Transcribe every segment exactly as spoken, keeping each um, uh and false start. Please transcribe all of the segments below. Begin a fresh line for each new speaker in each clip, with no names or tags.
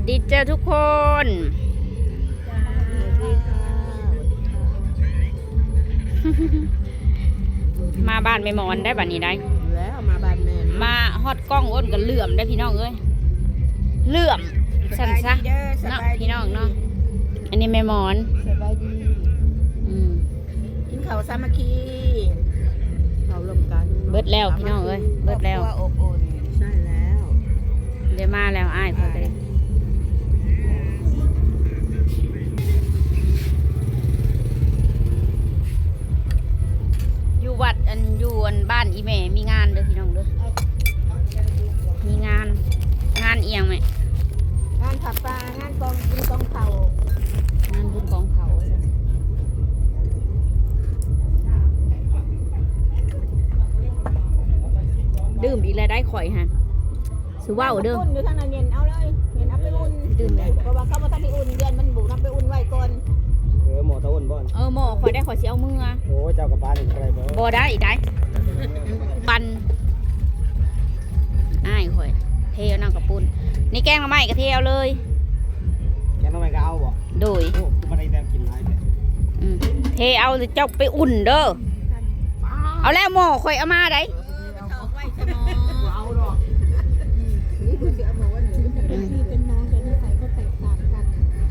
ดีเจอทุกคนมาบ้านไม่มอนได้บ้านนี้ได้
แล้วมาบ้านแม่
มาฮอดกล้องอ้นกันเหลื่อมได้พี่น้องเอ้ยเหลื่อมสั่นซะเนาะพี่น้องเนาะอันนี้ไม่มอน
สบายดี
อืม
กินข้าวสามัคคีข้าวรวมกัน
เบิดแล้วพี่น้องเอ้ยเบิดแล้ว
อบอุ่นใช่แล้ว
เดี๋ยวมาแล้วอ้ายพอดีอยู่วัดอันอยู่อันบ้านอีแม่มีงานเด้อพี่น้องเด้อมีงานงานเอียงไหม
งานผับปลางานกองกินกองเข่าง
านบุญกองเขาดื่มอีกแล้วได้ข่อยฮะสุว่าวเด้อ
อุ่นอยู่ทางนั้นเย็นเอาเลยเย็นเอาไปอุ่น
ดื่มเลย
เพราะว่าเขามาทำให้อุ่นเย็นมันบุกน้ำไปอุ่นไว้ก่อน
เออหมอตะอุ่นบ่อน
เออหมอข่อยได้ข่อยเสียเอามือ
โอ้เจ้ากับบ้านอะไรบ่
บ่ได้ได้ปันอ้ายข่อยเทนั่งกับปุ้นนี่แกงมาใหม่กระเทียวเลย
แกน้องไม่ก็เอาบ่
โดย
โอ้คือบ่ได้แต้มกินหลายแต่
เทเอาเจ้าไปอุ่นเด้อเอาแล้วหมอข่อยเอามาได้
เอาหรอกนี่คือจะเอามาว่าหนูนี่เป็นน้องแต่นิสัยก็แตกต่างกัน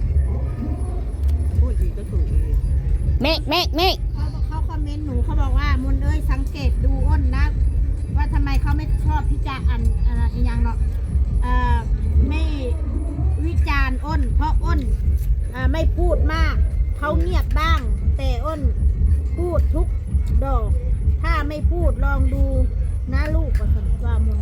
พูดดีก็ถูก
เมฆเมฆเมฆ
เขาเขาคอมเมนต์หนูเขาบอกว่ามุนเอ้ยสังเกตดูอ้นนะว่าทำไมเขาไม่ชอบพิจารณ์อันอะไรอย่างเนาะไม่วิจารณ์อ้นเพราะอ้นไม่พูดมากเขาเงียบบ้างแต่อ้นพูดทุกดอกถ้าไม่พูดลองดูนะลูกว่าสันว่ามุน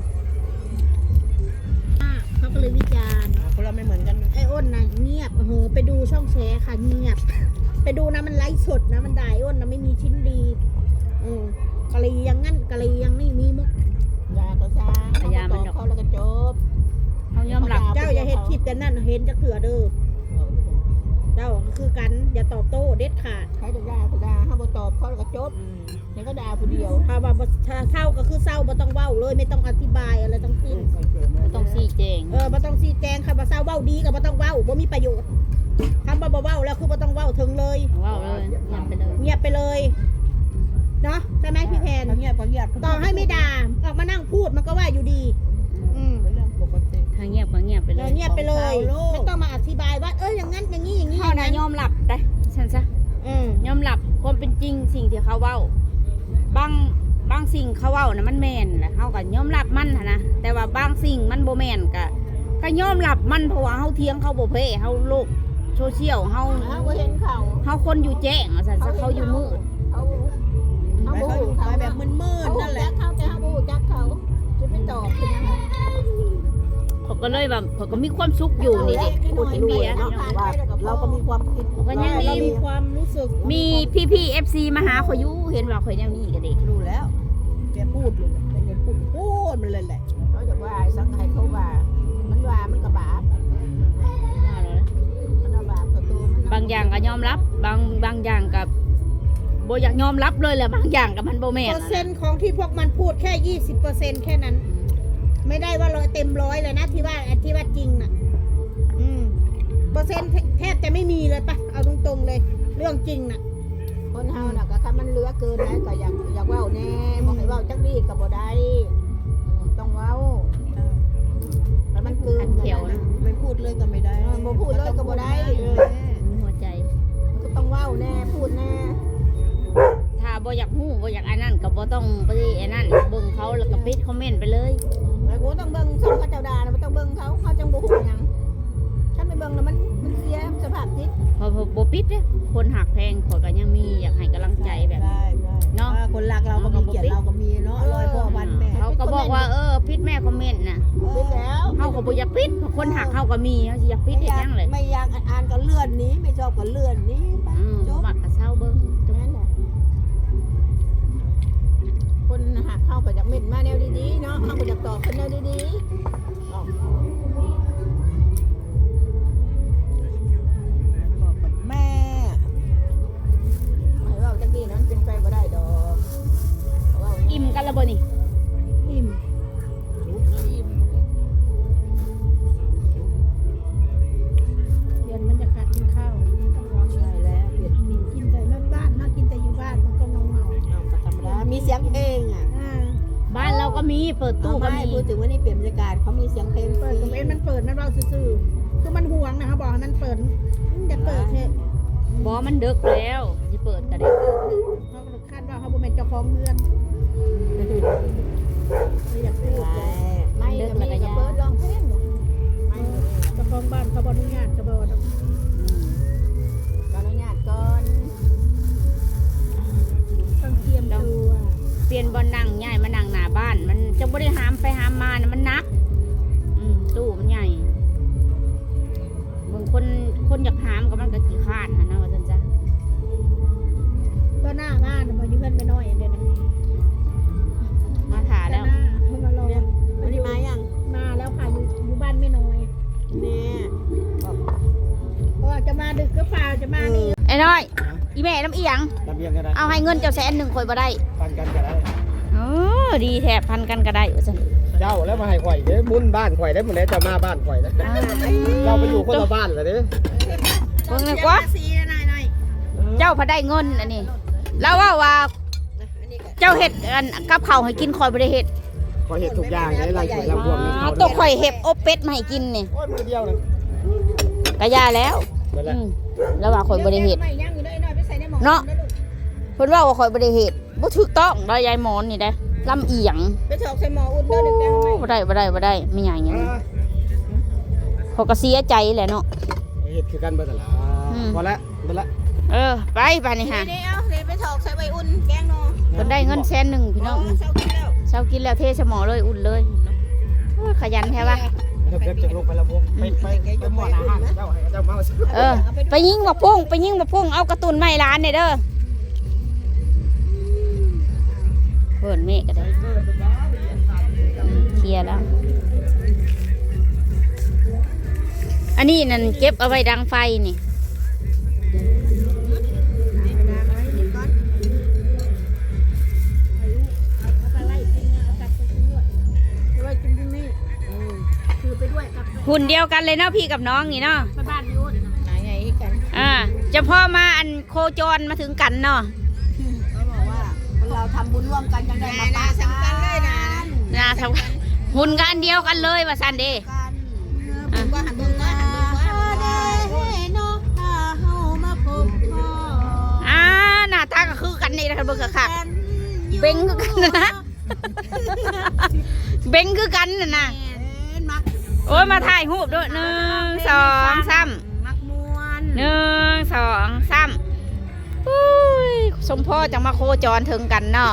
เขาก็เลยวิจารณ์คนเราไม่เหมือนกันไอ้อ้นนะเงียบโอ้โหไปดูช่องแชร์ค่ะเงียบไปดูนะมันไลฟ์สดนะมันด่าอ้นนะไม่มีชิ้นดีอืมกะลียังงั้นกะลียังไม่มีมุกยาก็ซ่า
พยามัน
เขาแล้วก็จบ
เขายอมหลับ
เจ้าอย่าเห็นคลิปแต่นั่นเห็นจะเถื่อเด้อเจ้าคือกันอย่าตอบโต้เด็ดขาดใครจะด่าก็ด่าถ้าบ่ตอบเขาแล้วก็จบนี่ก็ด่าผู้เดียวถ้าว่าถ้าเศร้าก็คือเศร้าบ่ต้องเว้าเลยไม่ต้องอธิบายอะไรทั้งสิ้น
ไม่ต้องชี้แจง
เออบ่ต้องชี้แจงค่ะบ่เศร้าเว้าดีก็บ่ต้องเว้าบ่มีประโยชน์ทำบ่บ่เว้าแล้วคือบ่ต้องเว้าถึงเลย
เว้าเลยเงียบไปเลย
เงียบไปเลยเนาะใช่ไหมพี่แพนเงียบก็เงียบต่อให้ไม่ด่าออกมานั่งพูดมันก็ว่าอยู่ดีอืมเป็นเรื่องปกติ
ถ้าเงียบก็เงียบไปเลย
เงียบไปเลยไม่ต้องมาอธิบายว่าเอออย่างนั้นอย่างนี้อย่างนี้
เขานะยอมหลับได้ฉันซะยอมหลับความเป็นจริงสิ่งที่เขาเว้าบางบางสิ่งเขาเว้านะมันแม่นแหละเขาก็ยอมรับมันนะแต่ว่าบางสิ่งมันโบแม่นก็ก็ยอมรับมันเพราะว่าเขาเทียงเขาโบเพ่เขาโลกโซเชียลเขา
เขาเห็นเขา
เขาคนอยู่แจ้งสันซะเขาอยู่มืด
เขาเขาอยู่เขาแบบมืดมืดนั่นแหละเขาแต่เขาบูจักเขาจะไม่ตอบเป็นยังไง
เขาก็เลยแบบเขาก็มีความสุขอยู่นี่ดิ
พูดเบียร์เราก็มีความคิด
ก็ยัง
มีความรู้สึก
มีพี่พี่เอฟซีมาหาเขาอยู่เห็นว่าเขาอย่างนี้กันเด็ก
รู้แล้วแกพูดเลยแกพูดพูดมันเลยแหละเขาจะว่าสังให้เขาว่ามันว่ามันกระบาด
บางอย่างก็ยอมรับบางบางอย่างกับโบอยากยอมรับเลยแหละบางอย่างกับมันโบแม่น
เปอร์เซ็นต์ของที่พวกมันพูดแค่ยี่สิบเปอร์เซ็นต์แค่นั้นไม่ได้ว่าร้อยเต็มร้อยเลยนะที่ว่าที่ว่าจริงน่ะอืมเปอร์เซ็นต์แทบจะไม่มีเลยปะเอาตรงๆเลยเรื่องจริงน่ะคนเฮาน่ะก็ถ้ามันเหลือเกินนะก็อยากอยากเว้าแน่บอกให้เว้าจักดีก็บ่ได้ต้องเว้าแต่มันเกิน
เขียวนะ
ไม่พูดเลยก็ไม่ได้บ่พูดเลยก็บ่ได้
หัวใจ
ก็ต้องเว้าแน่พูดแน่
ถ้าบ่อยากฮู้บ่อยากอันนั้นก็บ่ต้องไปอันนั้นเบิ่งเขาแล้วก็ปิดคอมเมนต์ไปเลย
แล้วกูต้องเบิ่งช่องเขาเจ้าด่านะไม่ต้องเบิ่งเขาเขาจังบ่ฮู้หยังฉันไม่เบิ่งแล้วมันมันเสียสภาพจิต
พอบ่ปิดเด้คนหักแพงขอยก็ยังมีอยากให้กำลังใจแบบเนาะ
คนรักเราก็มีเกียรติเราก็มีเนาะร้อยพ่อพันแม่
เขาก็บอกว่าเออปิดแม่คอมเมนต์น่ะ
ปิดแล้ว
เฮาก็บ่อยากปิดคนหักเฮาก็มีเฮาสิอยากปิดเฮ็ดหยังเลย
ไม่อยากอ่านก็เลื่อนนี้ไม่ชอบก็เลื่อนนี้
อืมมักก็เซาเบิ่ง
ตรงนั้นแหละคนหักเข้าไปจากเม็ดมาแนวดีๆเนาะเข้าไปจากตอบคนแนวดีๆบอกกับแม่ไม่ว่าจังดีนั้นเป็นไปบ่ได้ดอก
อิ่มกันแล้วบ่นี่
อิ่มอิ่ม
เปิดตู้
ตู้
ก็
ก็
มี
มีพูดถึงว่านี่เปลี่ยนบรรยากาศเขามีเสียงเพลง
เปิดกับเอ็นมันเปิดมันเราซื่อๆคือมันห่วงนะเขาบอกให้มันเปิดมันจะเปิดเถอะ
บอมันดึกแล้วจะเปิดก็ได้
เขาคาดว่าเขาบ่เป็นเจ้าของเรือนไม่อยากพูดเลย
ไม่ก็มีกับเบิร์ดลองเพลงบ่ไม่
เจ้าของบ้านเขาบอนุญาตเขาบอกว่า
ขออนุญาตก่อน
ต้องเตรียมตัว
เปลี่ยนบอลนั่งใหญ่มานั่งหน้าบ้าน มันจะไม่ได้หามไปหามมานะมันหนัก อืมตู้มันใหญ่บางคนคนอยากหามก็มันก็ขี้คร้านนะนะว่าจันจ้ะ
ก็หน้าบ้านมาอยู่เพื่อนไปน้อยเดี๋ยวนะ
มาถ่าแล้ว
หน้าเขามารอ
วันนี้มายัง
มาแล้วค่ะอยู่อยู่บ้านไม่น้อย
เนี่ย
เพราะว่าจะมาดึกก็เปล่าจะมานี่
ไอ้น้อย อีแม่น้ำเอียง
ลำเบียงก็ได้
เอาให้เงินเจ้าแสนหนึ่งคอยบ่ได้
ปันกันก็ได้
เออดีแทบพันกันก็ได้ว่าจัน
เจ้าแล้วมาให้ข่อยเด้บุญบ้านข่อยได้หมดแล้วจะมาบ้านข่อยแล้วเราไปอยู่คนละบ้านเลยเด้
เพิ่งเลยกว่า
สีหน่อยหน่อย
เจ้าพอได้เงินอันนี้แล้วว่าว่าเจ้าเห็ดอันกับเขาวให้กินคอยบริเห็ด
ข่อยเห็ดทุกอย่างในไรข่อยลำบวง
อ๋อตัวข่อยเห็บอบเป็ดมาให้กินนี่
โอ้ยมือเดียวเลย
กะยาแล้ว
นั่นแหละ
อืมแล้วว่าข่อยบริเห็ด
ไม่ย่างอยู่ด้วยหน่อยไปใส่ในหม้อ
เนาะ เพิ่นว่าว่าข่อยบริเห็ดบ่ถูกต้องได้ยายหมอนนี่ได้ลำเอียง
ไปถอกใส่หม้ออุ่นด้วยหนึ่งแก้วไหม
บ่ได้บ่ได้บ่ได้ไม่ใหญ่อย่างนี้เขาก็เสียใจแหละเนาะ
เห็ดคือกันเบอร์ตลาพอแล้วเบอร์ละ
เออไปไปนี่ฮะ
เดี๋ยวเดี๋ยวไปถอกใส่ใบอุ่นแกงนอ
เพิ่นได้เงินแสนหนึ่งพี่น้อง
เช้ากินแล้ว
เช้ากินแล้วเทสมอเลยอุ่นเลยโอ้ยขยันแท้ว่ะ
เดี๋ยวจะลงไปละวงไปไปไปหมดอาหารเจ้าเจ้าเมา
เออไปยิงมาพุ่งไปยิงมาพุ่งเอากระตุนไม้ร้านเนี่ยเด้อเพิ่นเมฆก็ได้อืมเคลียร์แล้ว อันนี้นั่นเก็บเอาไว้ดังไฟนี่
เอาไปไล่กินเอากลับไปกินด้วยเอาไว้กินที่นี่คือไปด้วยกลับไป
หุ่นเดียวกันเลยเนาะพี่กับน้องนี่เนาะ
ไปบ้านยุ่นไหนไงกัน
อ่าจะพ่อมาอันโคจรมาถึงกันเนาะ
เขาบอกว่าเราทำบุญร่วมกันจังได้มาปะ
สำคัญเลยนะ
นะทำหุ่นกันอันเดียวกันเลยว่าซันเด
กัน
ผมว่าหันเบิ่งว่าหันเบิ่งว่า
ได้เนาะเฮามาพบพ่อ
อ่าหน้าตาก็คือกันนี่นะคะเบิ่งค่ะเบ่งคือกันนะเบ่งคือกันน่ะนะ
เป็นมัก
โอ้ยมาถ่ายรูปด้วยหนึ่งสองสาม
มักมวน
หนึ่งสองสามอุ้ยสมพ่อจะมาโคจรถึงกันเนาะ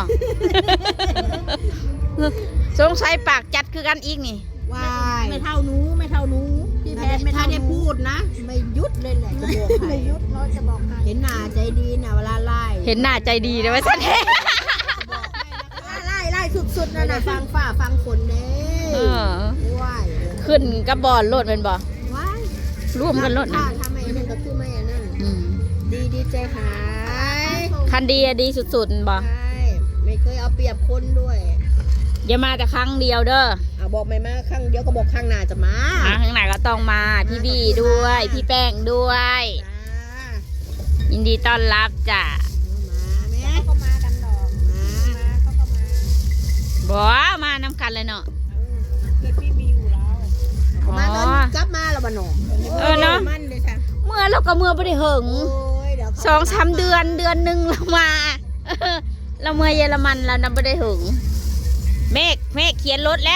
สงสัยปากจัดคือกันอีกนี่
วาย
ไม่เท่าหนูไม่เท่าหนูพี่แพ
ถ้า
ทย์ไม่
ถ้า
เท่า
ได้พูดนะ ไม่ยุดเลยแหละจะบอกให้
ไม่ยุดเราจะบอกให้
เห็นหน้าใจดีนะเวลาไล่
เห็นหน้าใจดีเลยว่าสันเด
ไล่ไล่สุดๆนะนะฟังฝ้าฟังฝนเด้
เออ
ว้าย
ขึ้นกับบอลโลดเป็นบ่
ว้าย
ร่วมกันโลดนะ
ถ้าทำไมนั่นก็คือไม่อันนั้น
อืม
ดีดีใจหาย
คันดีอะดีสุดๆบ่
ใช่ไม่เคยเอาเปรียบคนด้วย
อย่ามาแต่ครั้งเดียวเด้อ
เอาบอกไม่มาข้างเดียวก็บอกข้างหน้าจะมา
อ่ะข้างไหนก็ต้องมาพี่บีด้วย พี่แป้งด้วย
จ้า
ยินดีต้อนรับจ้ะ
มาแม่
เขาก็มากันดอก
มา
มาเขาก็มา
บ่มานำกันเลยเนาะ
เกิดพี่มีอยู่แล้ว
อ๋อ
มาตอนนี้กลับมาแล้วบ้านหนอง
เออเนาะ
มันเลยค่ะ
เมื่อเราก็เมื่อไม่ได้เหิง
โอ้ยเดี๋ยวเขา
สองสามเดือนเดือนหนึ่งเรามา เออเราเมื่อเยอรมันเรานำไม่ได้ถึงเมฆเมฆเขียนรถแล้ว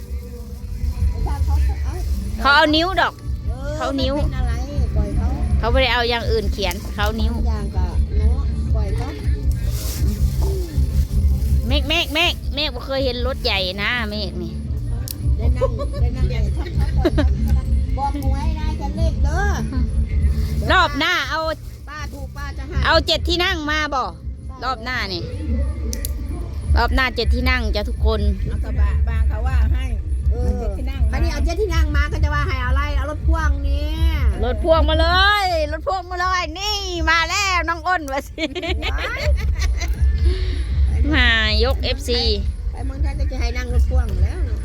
เขาเอานิ้วดอก เขานิ้ว
ไม่เป็นอะไรปล่อยเขา
เขาไม่ได้เอาอย่างอื่นเขียนเขานิ้ว
อย่างก็เนาะปล่อยเขา
เมฆเมฆเมฆเมฆบ่เคยเห็นรถใหญ่นะเมฆนี่
ได้นั่งได้นั่งอย่างเขาบอกหวยนายจะเลขเด้อ
รอบหน้าเอา
ป้าถูกป้าจะหา
เอาเจ็ดที่นั่งมาบ่รอบหน้านี่รอบหน้าเจ็ดที่นั่งจะทุกคน
เอากระบะบางเขาว่าให้
เออ
เจ็ดที่นั่ง
คันนี้เอาเจ็ดที่นั่งมาก็จะว่าให้เอาอะไรเอารถพ่วงเนี่ย
รถพ่วงมาเลยรถพ่วงมาเลยนี่มาแล้วน้องอ้นวะสิ มายก เอฟ ซี
ไปเมืองไทยก็จะให้นั่งรถพ่วงแล้วเนาะ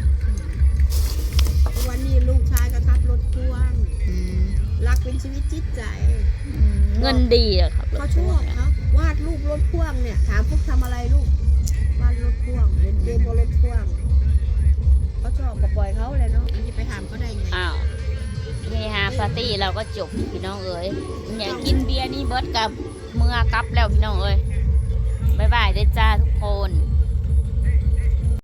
วันนี้ลูกชายก็ขับรถพ่วงรักเป็นชีวิตจิตใจ
เงินดีอะครับ
เขาชอบเขาวาดรูปรถพ่วงเนี่ยถามพวกทำอะไรลูกวาดรถพ่วงเล่นเกมบนรถพ่วง
ปล่อยเขาเลยเนาะมันจะไปถามเขาได้ไง
อ้าวเฮฮาปาร์ตี้เราก็จบพี่น้องเอ๋ยอยากกินเบียร์นี่เบิร์ดกับเมื่อกลับแล้วพี่น้องเอ๋ยบ๊ายบายเด้อจ้าทุกคน